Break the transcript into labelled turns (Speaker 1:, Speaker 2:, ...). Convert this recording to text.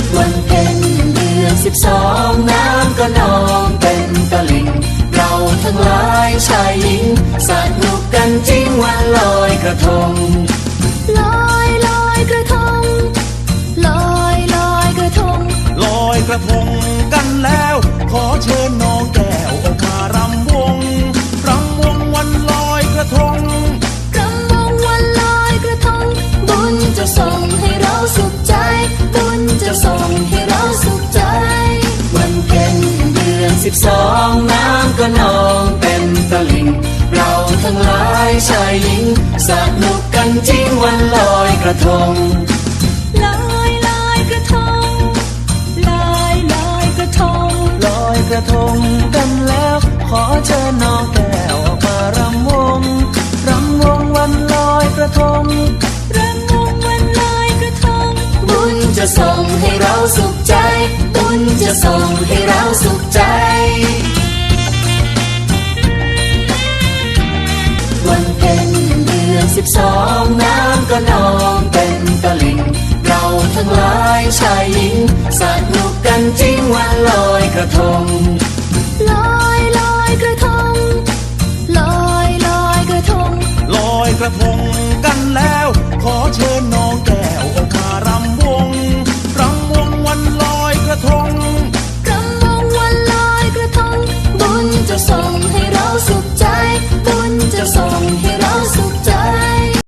Speaker 1: วันเพ็ญเดือน12น้ำก็นองเต็มตลิ่งเราทั้งหลายชายหญิงสนุกกันจริงวันลอยกระทง
Speaker 2: ลอยลอยกระทงลอยลอยกระทง
Speaker 3: ลอยกระทงกันแล้วขอเชิญน้องแก้วออกมารำวงวันลอยกระทง
Speaker 2: รำวงวันลอยกระทงบุญจะส่งให้เราสุขใจบุญจะส่งให้เราสุขใจ
Speaker 1: วันเพ็ญเดือน12น้ำก็นองเต็มตลิ่งเราทั้งหลายชายหญิงสนุกกันจริงวันลอยกระทง
Speaker 2: ลอยลอยกระทงลอยลอยกระทง
Speaker 1: ลอยกระทงกันแล้วขอเชิญน้องแก้วออกมารำวงวันลอยกระทง
Speaker 2: รำวงวันลอยกระทง
Speaker 1: บุญจะส่งให้เราสุขใจบุญจะส่งให้เราสุขใจวันเพ็ญเดือน12น้ำก็นองเต็มตลิ่งเราทั้งหลายชายหญิงสนุกกันจริงวันลอยกระทง